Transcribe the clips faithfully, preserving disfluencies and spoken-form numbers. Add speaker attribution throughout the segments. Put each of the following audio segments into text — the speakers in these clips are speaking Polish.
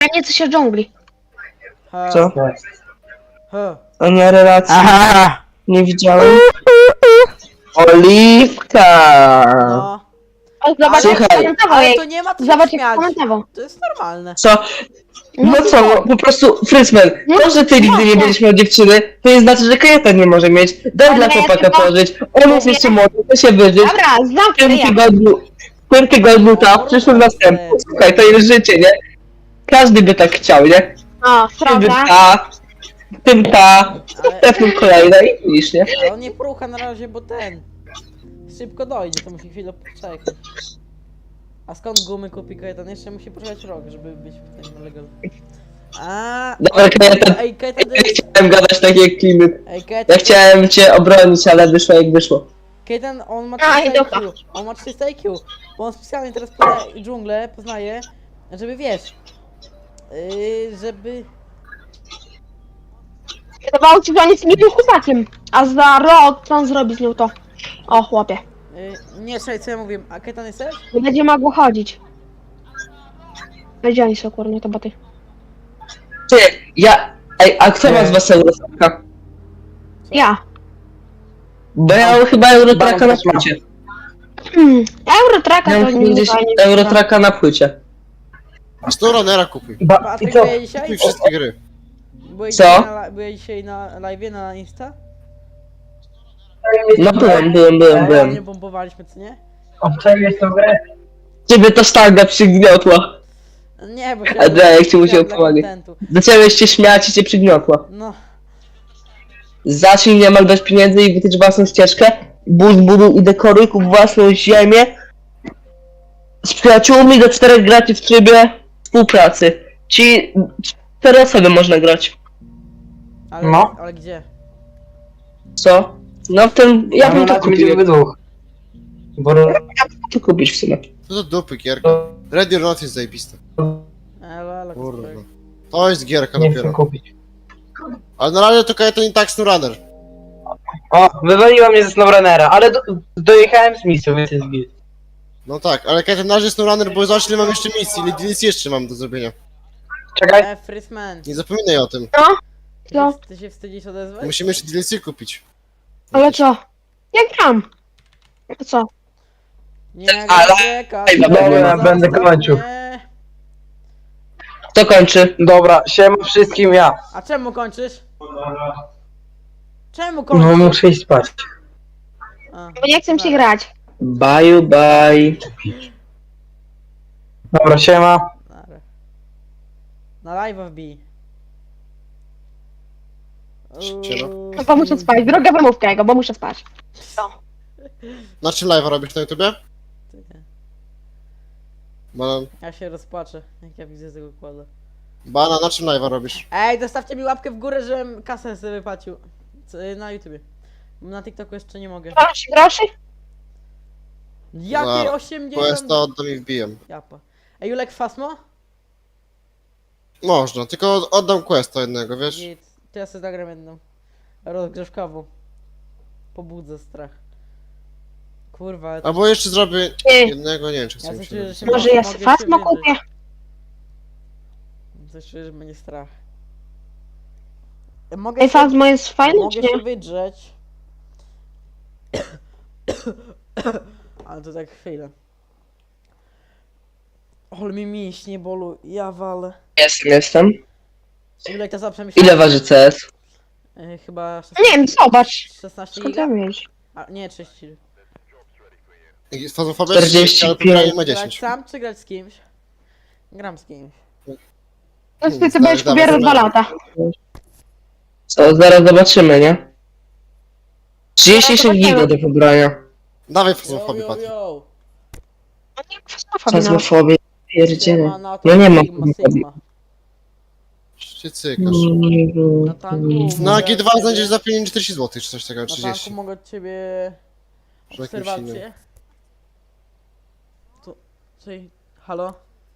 Speaker 1: A nie coś o dżungli.
Speaker 2: Ha,
Speaker 3: Co?
Speaker 2: ha.
Speaker 3: A na relacji
Speaker 4: Aha!
Speaker 3: nie widziałem. Oliwka!
Speaker 2: No.
Speaker 1: O, zobacz, jak
Speaker 3: Słuchaj.
Speaker 1: komentował
Speaker 2: Ale
Speaker 1: jej.
Speaker 2: to nie ma co
Speaker 1: Zobacz,
Speaker 2: się
Speaker 1: jak
Speaker 2: śmiać.
Speaker 1: komentował.
Speaker 2: To jest normalne.
Speaker 3: Co? No co, no, po prostu, Frysman, to, że ty nigdy nie będziesz miał dziewczyny, to nie znaczy, że Kajetan nie może mieć. Daj
Speaker 1: Ale
Speaker 3: dla
Speaker 1: ja
Speaker 3: chłopaka
Speaker 1: tylko-
Speaker 3: pożyć, on jest jeszcze młody, to się wyżyć.
Speaker 1: Dobra,
Speaker 3: W tym
Speaker 1: zamknę ja.
Speaker 3: tygodniu, w tym tygodniu ta, w przyszłym następnym. Słuchaj, to jest życie, nie? Każdy by tak chciał, nie?
Speaker 1: O,
Speaker 3: W tym by
Speaker 1: prawda?
Speaker 3: ta, w tym ta,
Speaker 2: Ale-
Speaker 3: w następnym kolejna i widzisz, nie?
Speaker 2: Ale on nie porucha na razie, bo ten... Szybko dojdzie, to musi chwilę poczekać. A skąd gumy kupi Kajetan? Jeszcze musi poczekać rok, żeby być w tym legal. A,
Speaker 3: Dobra, Kajetan,
Speaker 2: Ej, Kajetan to
Speaker 3: ja
Speaker 2: jest...
Speaker 3: chciałem gadać takie jak klimy.
Speaker 2: Ej, Kajetan...
Speaker 3: Ja chciałem cię obronić, ale wyszło jak wyszło.
Speaker 2: Kajetan, on ma
Speaker 1: A, i
Speaker 2: trzysta
Speaker 1: dobra.
Speaker 2: I Q. On ma trzysta I Q. Bo on specjalnie teraz poznaje dżunglę, poznaje, żeby wiesz... Yy, żeby...
Speaker 1: Wydawało ci, że on jest miłym chłopakiem. A za rok co on zrobi z nią to? O, chłopie.
Speaker 2: Yy, nie, słuchaj, co ja mówiłem. A Kajetan jesteś?
Speaker 1: Nie będzie mogło chodzić. Gdzie oni są, kurwa, to boty.
Speaker 3: Ty, ja... Ej, a kto ma z
Speaker 4: Nie.
Speaker 3: was Eurotraka?
Speaker 1: Ja.
Speaker 3: Bo ja mam chyba Eurotraka na płycie.
Speaker 1: Hmm. Eurotraka
Speaker 3: Ja
Speaker 1: to
Speaker 3: mam
Speaker 1: nie
Speaker 3: gdzieś
Speaker 1: fajnie.
Speaker 3: Eurotraka na płycie.
Speaker 5: A sto runnera kupuj.
Speaker 4: Ba i
Speaker 2: Patryk,
Speaker 4: co?
Speaker 2: byłeś dzisiaj?
Speaker 5: Kupuj wszystkie gry.
Speaker 2: Byłeś
Speaker 3: Co?
Speaker 2: dzisiaj na, byłeś dzisiaj na live'ie na Insta?
Speaker 3: No byłem, byłem, byłem,
Speaker 2: Nie
Speaker 3: byłem.
Speaker 2: bombowaliśmy, co nie?
Speaker 4: Obczaiłeś tą grę?
Speaker 3: Ciebie to sztanga przygniotła.
Speaker 2: Nie, bo
Speaker 3: A daj, jak ci musiał
Speaker 2: chciałem dla
Speaker 3: pomagać.
Speaker 2: kontentu.
Speaker 3: Zaczęłeś się śmiać i cię przygniotła.
Speaker 2: No,
Speaker 3: Zacznij niemal dać pieniędzy i wytycz własną ścieżkę. Budź, buduj i dekoruj, kup własną ziemię. Z przyjaciółmi do czterech graczy w trybie współpracy. Ci cztery osoby można grać.
Speaker 2: ale,
Speaker 4: No.
Speaker 2: ale gdzie?
Speaker 3: Co? No w tym, ja bym to
Speaker 4: będziemy
Speaker 3: kupił.
Speaker 4: we dwóch. Bo...
Speaker 3: To kupić w sumie.
Speaker 5: To do dupy gierka. Ready or Not jest zajebiste.
Speaker 2: Elo, elo,
Speaker 5: Kurwa.
Speaker 2: Kacperek.
Speaker 5: To jest gierka
Speaker 4: Nie chcę
Speaker 5: dopiero.
Speaker 4: kupić.
Speaker 5: Ale na razie to Kajetan i tak SnowRunner.
Speaker 4: O, wywaliła mnie ze SnowRunnera, ale do, dojechałem z misją, więc jest git.
Speaker 5: No tak, ale Kajetan na razie SnowRunner, bo zobacz ile mam jeszcze misji, ile D L C jeszcze mam do zrobienia.
Speaker 4: Czekaj.
Speaker 2: E, Frisman,
Speaker 5: Nie zapominaj o tym.
Speaker 2: ty,
Speaker 1: Co?
Speaker 2: się- ty się wstydzisz odezwać?
Speaker 5: Musimy jeszcze D L C kupić.
Speaker 1: Ale co? Ja gram. To co?
Speaker 2: Nie,
Speaker 3: Ale-
Speaker 2: nie, Kacper,
Speaker 3: Dobra,
Speaker 2: zaraz
Speaker 4: będę
Speaker 2: to-
Speaker 4: kończył.
Speaker 2: nie.
Speaker 3: Kto kończy?
Speaker 4: Dobra, siema wszystkim ja.
Speaker 2: A czemu kończysz? Czemu
Speaker 4: No
Speaker 2: kończysz?
Speaker 4: muszę iść spać.
Speaker 2: A,
Speaker 1: Bo nie chcę ci
Speaker 2: dobra.
Speaker 1: grać.
Speaker 3: Bye bye.
Speaker 4: Dobra, siema.
Speaker 2: Dobra. Na live wbij.
Speaker 5: Siema.
Speaker 2: Uuu.
Speaker 1: No bo muszę spać. Droga wymówka jego, bo muszę spać.
Speaker 5: Na czym live'a robisz na YouTubie? Banan.
Speaker 2: Ja się rozpłaczę, jak ja widzę tego kłada.
Speaker 5: Bana, na czym live'a robisz?
Speaker 2: Ej, dostawcie mi łapkę w górę, żebym kasę sobie wypłacił. Co, na YouTubie. Na TikToku jeszcze nie mogę.
Speaker 1: Masz groszy?
Speaker 2: Jakie
Speaker 5: Za
Speaker 2: osiemdziesiąt?
Speaker 5: Questa oddam i wbijam.
Speaker 2: Japa. Ej, Julek Fasmo?
Speaker 5: Można, tylko oddam Questa jednego, wiesz?
Speaker 2: Git. To ja sobie zagram jedną. Rozgrzewkową. Pobudzę strach. Kurwa, ale to...
Speaker 5: Albo jeszcze zrobię
Speaker 1: Ty.
Speaker 5: jednego, nie wiem czy
Speaker 2: Ja
Speaker 5: chcę mi
Speaker 2: coś
Speaker 5: się.
Speaker 2: czuję, że się
Speaker 1: Może
Speaker 2: mo-
Speaker 1: ja
Speaker 2: mogę
Speaker 1: sobie fasmo
Speaker 2: się
Speaker 1: kupię?
Speaker 2: wydrzeć. Coś czuję, że będzie strach. E, Mogę
Speaker 1: Ej,
Speaker 2: się...
Speaker 1: Fazmo jest fajny, czy
Speaker 2: Mogę się
Speaker 1: nie?
Speaker 2: wydrzeć. Ale to tak chwilę. Ol mi mięśnie bolu, ja walę.
Speaker 3: Jestem, jestem.
Speaker 2: Ile to za przemyślenie?
Speaker 3: Ile waży C S?
Speaker 2: E, chyba
Speaker 1: Nie wiem, zobacz.
Speaker 2: szesnaście
Speaker 1: Skąd
Speaker 2: giga?
Speaker 1: ja mieć?
Speaker 2: A, nie, trzydzieści.
Speaker 5: Fazofobia
Speaker 3: czterdzieści
Speaker 5: ale
Speaker 3: pięć.
Speaker 5: poprawnie ma
Speaker 2: Grać
Speaker 5: dziesięć.
Speaker 2: sam czy grać z kimś? Gram z kimś.
Speaker 1: No ty, ty
Speaker 5: Dawaj,
Speaker 1: będziesz
Speaker 5: dawaj,
Speaker 1: pobierał dwa
Speaker 5: dawaj.
Speaker 1: lata.
Speaker 3: Co, zaraz zobaczymy, nie? trzydzieści sześć giga do pobrania.
Speaker 5: Dawaj
Speaker 2: Yo,
Speaker 5: fazofobię,
Speaker 2: yo,
Speaker 5: Patryk.
Speaker 2: yo.
Speaker 1: No nie, fasmofobii, no.
Speaker 3: Fazmofobię. Pierdzielę.
Speaker 2: Siema, na to
Speaker 3: Ja nie mam
Speaker 2: Sigma,
Speaker 3: fazmofobii.
Speaker 2: Sigma.
Speaker 5: Się cykasz.
Speaker 2: Na tanku
Speaker 5: Na
Speaker 2: mogę
Speaker 5: G dwa
Speaker 2: od ciebie-
Speaker 5: znajdziesz za pięćdziesiąt czterdzieści złotych, czy coś takiego,
Speaker 2: Na tanku
Speaker 5: trzydzieści.
Speaker 2: mogę od ciebie
Speaker 5: Czy jakimś
Speaker 2: obserwację. To, czyli, halo?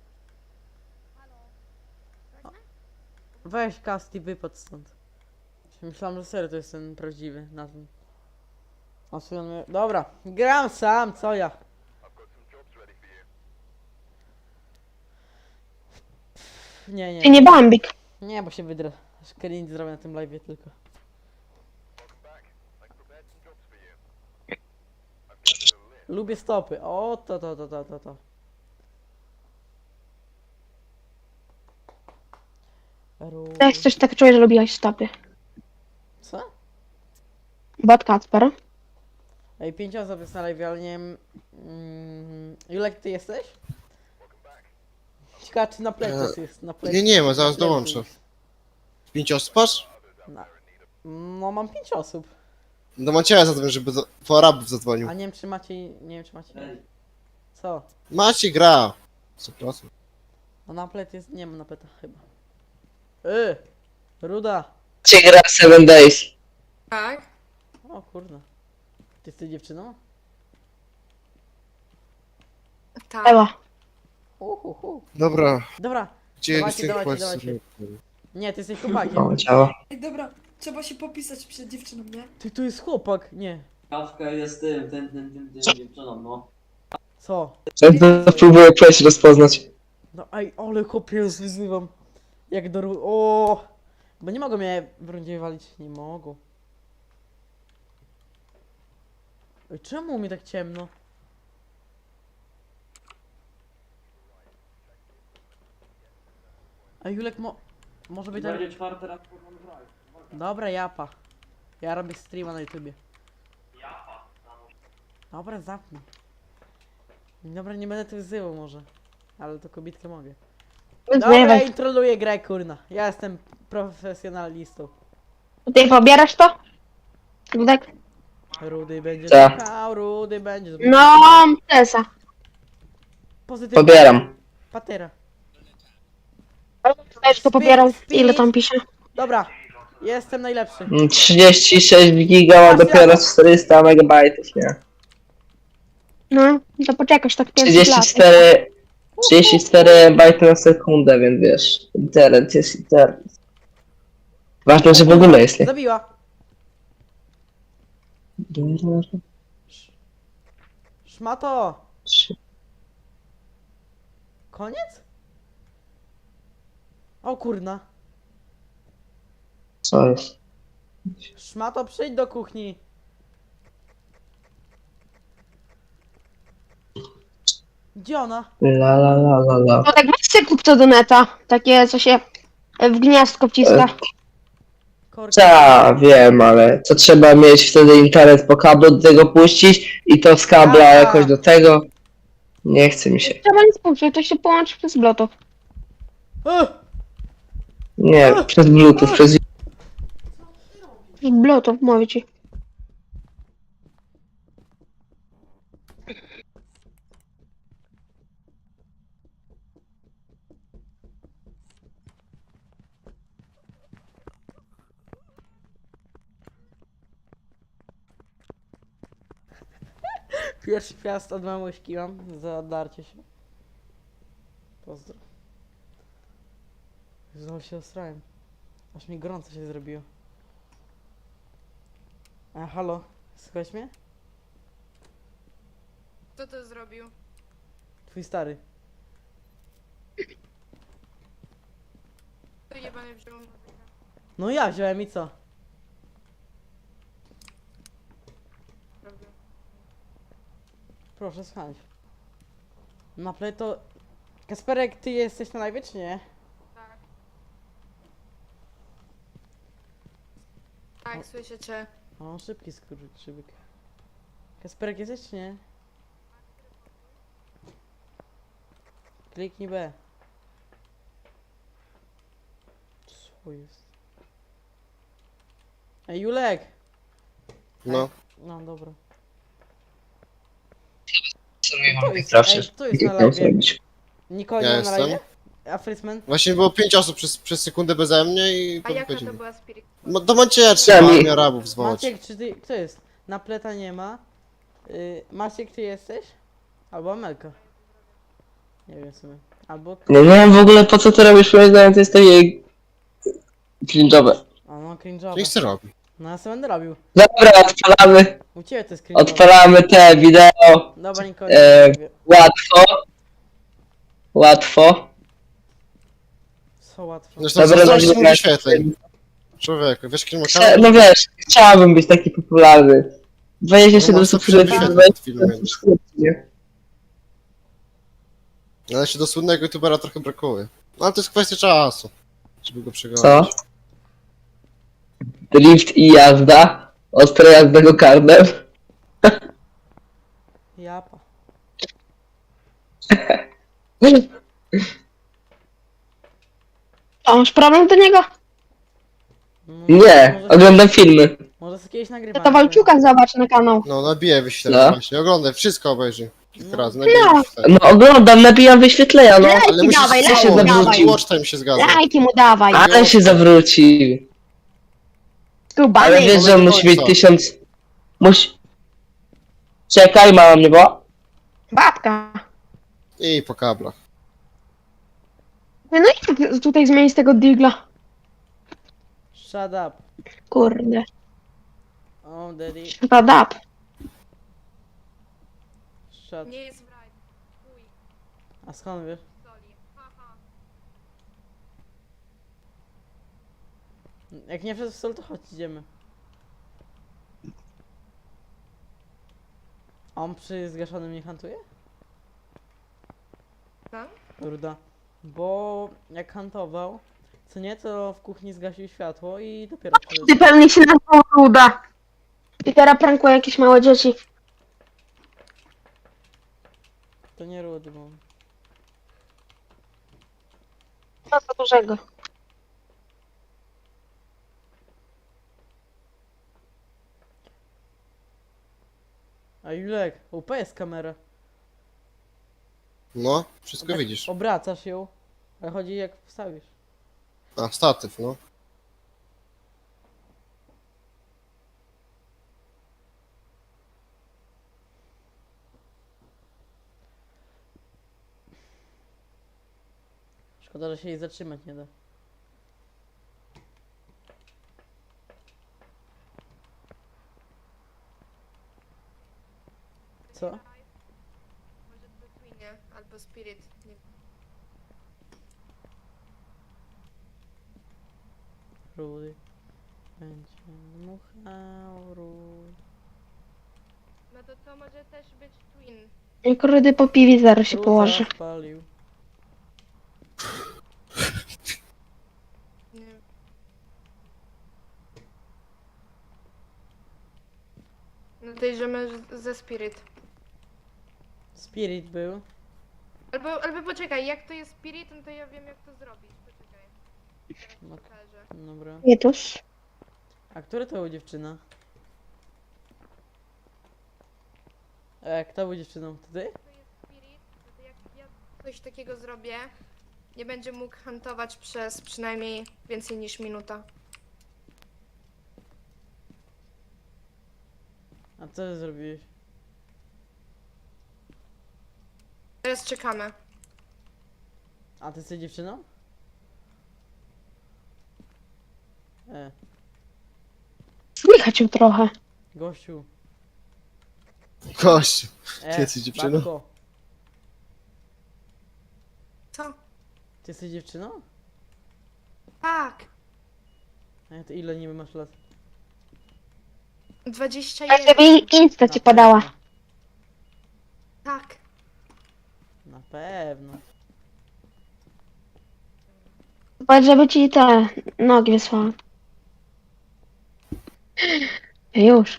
Speaker 2: Weź cast i wypadł stąd. Myślałem, że serio to jest ten prawdziwy na tym. A sobie on mnie... Dobra, gram sam, co ja? Nie,
Speaker 1: Ty
Speaker 2: nie.
Speaker 1: nie Bambik.
Speaker 2: Nie, bo się wydrę. Screen zrobię na tym live'ie tylko. Lubię stopy. O, to, to, to, to, to, to. Ru...
Speaker 1: Też coś tak czuję, że lubiłaś stopy.
Speaker 2: Co?
Speaker 1: Bad Kacper.
Speaker 2: Ej, pięć osób jest na live, ale nie wiem... Mm, Julek, ty jesteś? Ciekawe, czy na plecach jest, na plecach.
Speaker 5: nie, nie ma,
Speaker 2: na
Speaker 5: zaraz
Speaker 2: plecach
Speaker 5: dołączę.
Speaker 2: jest.
Speaker 5: Pięć osób masz?
Speaker 2: Na... No, mam pięć osób.
Speaker 5: Do Macieja zadzwoń, żeby do, po Arabów zadzwonił.
Speaker 2: A nie wiem, czy macie... Nie wiem, czy macie... Co?
Speaker 5: Macie gra. sto procent.
Speaker 2: No na plet jest... Nie ma na pleta chyba. Yy! Ruda!
Speaker 3: Cię gra Seven Days.
Speaker 6: Tak?
Speaker 2: O kurde. Ty jesteś dziewczyną?
Speaker 6: Tak.
Speaker 1: Ewa.
Speaker 2: Uhuhu.
Speaker 5: Dobra,
Speaker 2: Dobra.
Speaker 5: gdzie
Speaker 2: Dawajcie,
Speaker 5: z tych
Speaker 2: dawajcie,
Speaker 5: questów?
Speaker 2: dawajcie. Nie, ty jesteś chłopakiem.
Speaker 3: O, działa.
Speaker 6: Ej, dobra, trzeba się popisać przed dziewczyną, nie?
Speaker 2: Ty tu jest chłopak. Nie.
Speaker 7: Kawka jest tym, tym, tym, tym, tym dziewczyną, no.
Speaker 2: Co?
Speaker 3: Ja próbuję przejść rozpoznać.
Speaker 2: No ej, ale chłopie, zwyzywam. Jak do ru... O, bo nie mogą mnie w rundzie walić. Nie mogą. Ej, czemu mi tak ciemno? A Julek mo... Może być tak...
Speaker 7: Będzie czwarty raz po grać.
Speaker 2: Dobra, japa. Ja robię streama na YouTubie. Dobra, zapnij. Dobra, nie będę tu wzywał może. Ale to kobietkę mogę. Dobra,
Speaker 1: Zjewaj.
Speaker 2: introluję grę, kurna. Ja jestem profesjonalistą.
Speaker 1: Ty pobierasz to? Ludek?
Speaker 2: Rudy będzie
Speaker 3: Tak.
Speaker 2: czekał, Rudy będzie...
Speaker 1: No, Tesa.
Speaker 2: Pozytywnie.
Speaker 3: Pobieram.
Speaker 2: Patera.
Speaker 1: Też to pobierał. Ile tam pisze?
Speaker 2: Dobra, jestem najlepszy.
Speaker 3: Mm, trzydzieści sześć giga, a dopiero czterysta megabajtów, nie?
Speaker 1: No, to poczekasz tak pięć
Speaker 3: trzydzieści
Speaker 1: lat.
Speaker 3: cztery, trzydzieści cztery bajty na sekundę, więc wiesz, internet jest internet. Ważne, że w ogóle jest, nie?
Speaker 2: Zabiła. Szmato. Koniec? O kurna.
Speaker 3: Co jest?
Speaker 2: Szmato, przyjdź do kuchni. Gdzie ona?
Speaker 3: La la la la la.
Speaker 1: No tak weź sobie kup to do neta. Takie, co się w gniazdko wciska.
Speaker 2: Korka.
Speaker 3: Ta, wiem, ale to trzeba mieć wtedy internet po kablu do tego puścić i to z kabla
Speaker 2: Aha.
Speaker 3: jakoś do tego. Nie chce mi się.
Speaker 1: Trzeba nic puszczać, to się połączy przez bluetooth.
Speaker 2: Ech,
Speaker 3: Nie, przez bluetooth, przez...
Speaker 1: Bluetooth, mówię ci.
Speaker 2: Pierwszy piast od mamuśki mam za darcie się. Pozdro. Znowu się osrałem. Aż mi gorąco się zrobiło. A halo, słychać mnie?
Speaker 6: Kto to zrobił?
Speaker 2: Twój stary.
Speaker 6: To jebany wziął.
Speaker 2: No ja wziąłem i co?
Speaker 6: Prawda.
Speaker 2: Proszę słuchać. Na play to... Kasperek, ty jesteś na live, czy nie?
Speaker 6: Tak. Tak, słyszę cię.
Speaker 2: O, szybki skurczybyk. Kasperek jesteś, czy nie? Kliknij B. Co jest? Ej, Julek!
Speaker 5: No.
Speaker 2: No, dobra.
Speaker 3: Co
Speaker 2: To jest, ej, to jest na live. Nikogo
Speaker 5: Ja
Speaker 2: nie ma na
Speaker 5: jestem.
Speaker 2: live? A Frisman?
Speaker 5: Właśnie było pięć osób przez, przez sekundę beze mnie i
Speaker 6: A jaka to
Speaker 5: powiedzieli.
Speaker 6: była spirit?
Speaker 5: No, do Macieja trzeba
Speaker 3: Sami.
Speaker 5: armię Arabów zwołać.
Speaker 2: Maciek, czy ty... Kto jest? Na pleta nie ma. Yy, Maciek, ty jesteś? Albo Amelka. Nie wiem w sumie. Albo...
Speaker 3: Nie, nie wiem w ogóle po co ty robisz, moim zdaniem to jest takie... cringe'owe.
Speaker 2: A no, cringe'owe.
Speaker 5: Niech se robi.
Speaker 2: No ja sobie będę robił.
Speaker 3: Dobra, odpalamy,
Speaker 2: U ciebie to jest cringe'owe.
Speaker 3: odpalamy te wideo.
Speaker 2: Dobra, nikogo
Speaker 3: E,
Speaker 2: nie robię.
Speaker 3: Łatwo. Łatwo.
Speaker 2: Co łatwo.
Speaker 5: Zresztą
Speaker 3: Dobra,
Speaker 5: zazdrości mu
Speaker 3: dobra.
Speaker 5: wyświetleń. Człowieku, wiesz kim ma
Speaker 3: Chcia,
Speaker 5: kanał?
Speaker 3: no wiesz, chciałbym być taki popularny. dwadzieścia
Speaker 5: No
Speaker 3: siedem
Speaker 5: masz to
Speaker 3: subskrypcji,
Speaker 5: wyświetleń
Speaker 3: to
Speaker 5: pod filmem.
Speaker 3: nie?
Speaker 5: Ale się do słynnego youtubera trochę brakuje. No ale to jest kwestia czasu, żeby go
Speaker 3: Co?
Speaker 5: przegonić.
Speaker 3: Drift i jazda. Ostra jazda go karnem.
Speaker 2: Japa.
Speaker 1: A masz problem do niego?
Speaker 2: No,
Speaker 3: Nie,
Speaker 2: może,
Speaker 3: oglądam filmy.
Speaker 2: może z kiedyś
Speaker 1: To
Speaker 2: nagrywamy.
Speaker 1: to Walczuka zobacz na kanał.
Speaker 5: No nabije wyświetlenia
Speaker 3: No.
Speaker 5: właśnie, oglądaj, wszystko obejrzyj. Kilka
Speaker 2: No.
Speaker 5: razy, nabije
Speaker 1: No.
Speaker 5: wyświetlenia.
Speaker 3: No oglądam, nabijam wyświetlenia, no.
Speaker 5: Ale
Speaker 1: Lajki
Speaker 5: musisz
Speaker 1: dawaj,
Speaker 3: co
Speaker 1: lajki
Speaker 3: się
Speaker 5: zawrócić,
Speaker 3: zawrócił?
Speaker 1: dawaj.
Speaker 5: watch time się zgadza.
Speaker 1: Lajki mu dawaj.
Speaker 3: Ale się zawrócił.
Speaker 1: Skubany.
Speaker 3: Ale wiesz, że on
Speaker 5: do
Speaker 3: musi mieć
Speaker 5: końca.
Speaker 3: tysiąc... Musi... Czekaj, mama mnie woła.
Speaker 1: Babka.
Speaker 5: I po kablach.
Speaker 1: No i jak tutaj zmienić tego digla?
Speaker 2: Shut up.
Speaker 1: Kurde.
Speaker 2: Oh, daddy.
Speaker 1: Shut up.
Speaker 2: Shut.
Speaker 6: Nie jest w raj. Chuj,
Speaker 2: A skąd wiesz?
Speaker 6: soli. Haha.
Speaker 2: Jak nie wszedł w sol, to chodź, idziemy. A on przy zgaszonym nie hantuje?
Speaker 6: Tak?
Speaker 2: Ruda. Bo jak hantował, co nie, to w kuchni zgasił światło i dopiero przyszedł.
Speaker 1: Ty pewnie się nazwał Ruda. I teraz prankuje jakieś małe dzieci.
Speaker 2: To nie rudy, bo...
Speaker 1: Co za dużego.
Speaker 2: A Julek, U P jest kamera.
Speaker 5: No, wszystko
Speaker 2: Tak
Speaker 5: widzisz.
Speaker 2: Obracasz ją, ale chodzi jak wstawisz.
Speaker 5: A, statyw, no.
Speaker 2: Szkoda, że się jej zatrzymać nie da. Co?
Speaker 6: Może to Twinie albo Spirit. Nie.
Speaker 2: Rudy. Będzie dmuchał Rudy.
Speaker 6: No to to może też być Twin.
Speaker 1: Jak Rudy po piwie zaraz się
Speaker 2: Ruda
Speaker 1: położy.
Speaker 2: spalił.
Speaker 6: Nie. No to idziemy z- ze Spirit.
Speaker 2: Spirit był.
Speaker 6: Albo, albo poczekaj, jak to jest Spirit, no to ja wiem jak to zrobić. Poczekaj. Teraz
Speaker 2: No.
Speaker 6: pokażę.
Speaker 2: Dobra.
Speaker 1: Jetus.
Speaker 2: A która to była dziewczyna? E, kto był dziewczyną? To ty?
Speaker 6: To jest Spirit, no to jak ja coś takiego zrobię, nie będzie mógł huntować przez przynajmniej więcej niż minuta.
Speaker 2: A co ty zrobiłeś?
Speaker 6: Teraz czekamy.
Speaker 2: A ty jesteś dziewczyną? E,
Speaker 1: Słychać ją trochę.
Speaker 2: gościu.
Speaker 5: Gościu.
Speaker 2: E,
Speaker 5: Ty jesteś dziewczyną?
Speaker 2: babko,
Speaker 6: Co?
Speaker 2: ty jesteś dziewczyną?
Speaker 6: Tak!
Speaker 2: E, to ile niby masz lat?
Speaker 6: dwadzieścia
Speaker 1: Jak
Speaker 6: jeden.
Speaker 1: żeby Insta ci
Speaker 2: Na
Speaker 1: podała.
Speaker 2: pewno.
Speaker 6: Tak.
Speaker 2: Na pewno.
Speaker 1: Powiedz, żeby ci te nogi wysłała. Już.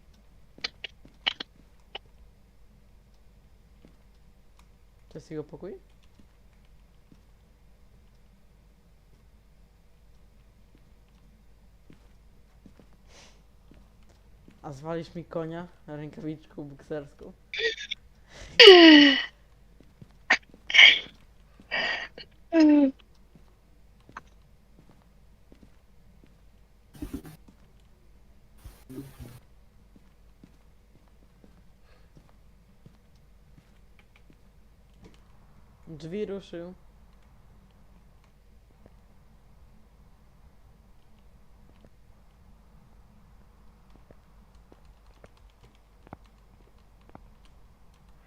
Speaker 2: To jest jego pokój? A zwalisz mi konia rękawiczką bokserską? Drzwi ruszył.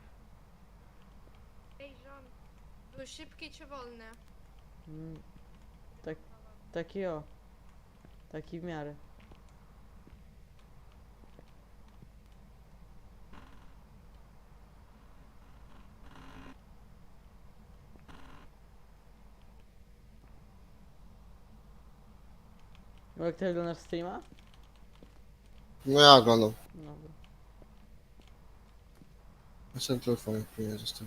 Speaker 6: Ej, żon. Był szybki czy wolny?
Speaker 2: Mm, Taki o. Taki w miarę. No jak ty oglądasz streama?
Speaker 5: No ja oglądam.
Speaker 2: Dobra.
Speaker 5: Ja sobie telefon nie został.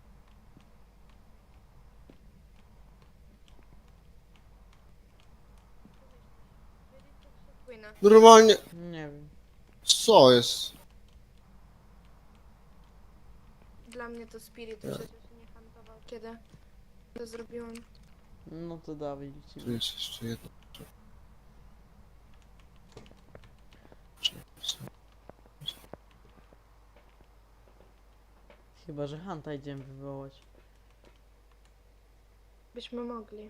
Speaker 6: Płynę.
Speaker 5: Normalnie,
Speaker 2: Nie wiem.
Speaker 5: co jest?
Speaker 6: Dla mnie to Spirit przecież nie hantował. Kiedy to zrobiłam?
Speaker 2: No to dawaj, ci.
Speaker 5: Tu jest jeszcze jedno.
Speaker 2: Chyba, że Hanta idziemy wywołać.
Speaker 6: Byśmy mogli.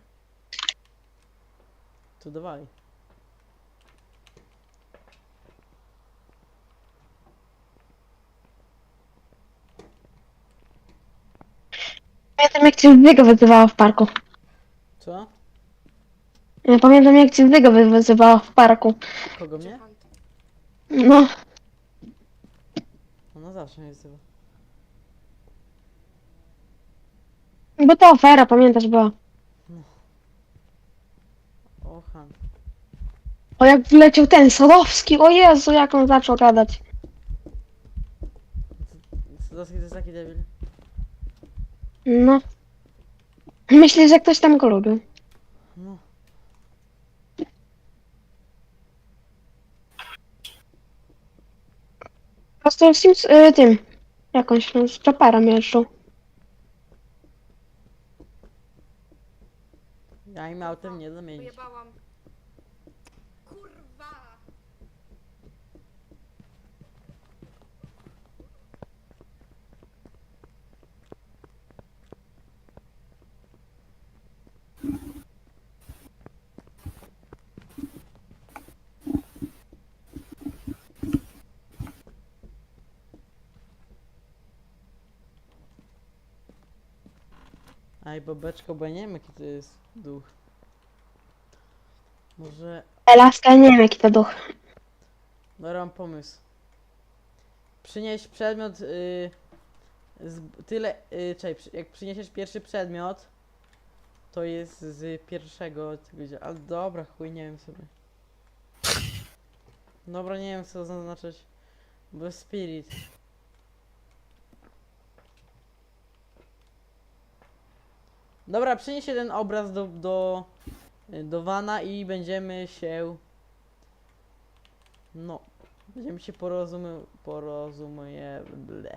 Speaker 2: To dawaj.
Speaker 1: Pamiętam jak cię Zdyga wyzywała w parku.
Speaker 2: Co?
Speaker 1: Ja pamiętam jak cię Zdyga wy- wyzywała w parku.
Speaker 2: Kogo
Speaker 6: Czy
Speaker 2: mnie?
Speaker 6: hunt?
Speaker 1: No,
Speaker 2: Ona zawsze mnie wzywa.
Speaker 1: bo to afera, pamiętasz, była.
Speaker 2: O, Han.
Speaker 1: O, jak wleciał ten Sadowski, o Jezu, jak on zaczął gadać.
Speaker 2: Sadowski to jest taki debil.
Speaker 1: No. Myślę, że ktoś tam go lubił.
Speaker 2: No.
Speaker 1: Po prostu z tym, y, tym, jakąś no, z traperem jeżdżą.
Speaker 2: Ja im autem nie zamienić.
Speaker 6: Pojebałam. Kurwa!
Speaker 2: Aj, babeczko, bo ja nie wiem jaki to jest duch. Może...
Speaker 1: Elaska, nie wiem jaki to duch.
Speaker 2: Dobra, mam pomysł. Przynieś przedmiot... Y, z, tyle... Y, czekaj, przy- jak przyniesiesz pierwszy przedmiot, to jest z pierwszego tego dzia- ale dobra, chuj, nie wiem sobie. Dobra, nie wiem co zaznaczyć. Bo jest spirit. Dobra, przynieś jeden obraz do, do, do wana i będziemy się... No. Będziemy się porozumie... porozumie... ble.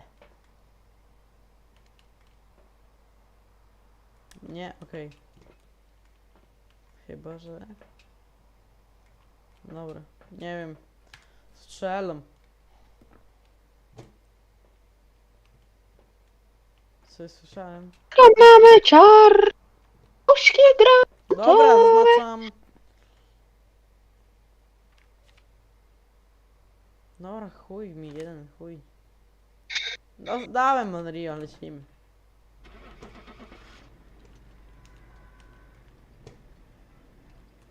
Speaker 2: Nie, okej. Chyba, że... Dobra, nie wiem. Strzelam. Coś słyszałem?
Speaker 1: Mamy czar. Puszki gra.
Speaker 2: Dobra, zaznaczam. Dobra, chuj mi, jeden chuj. No, dałem Monrio, lecimy.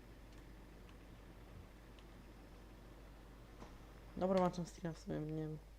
Speaker 2: Dobra, mam czym stream w sumie, nie wiem.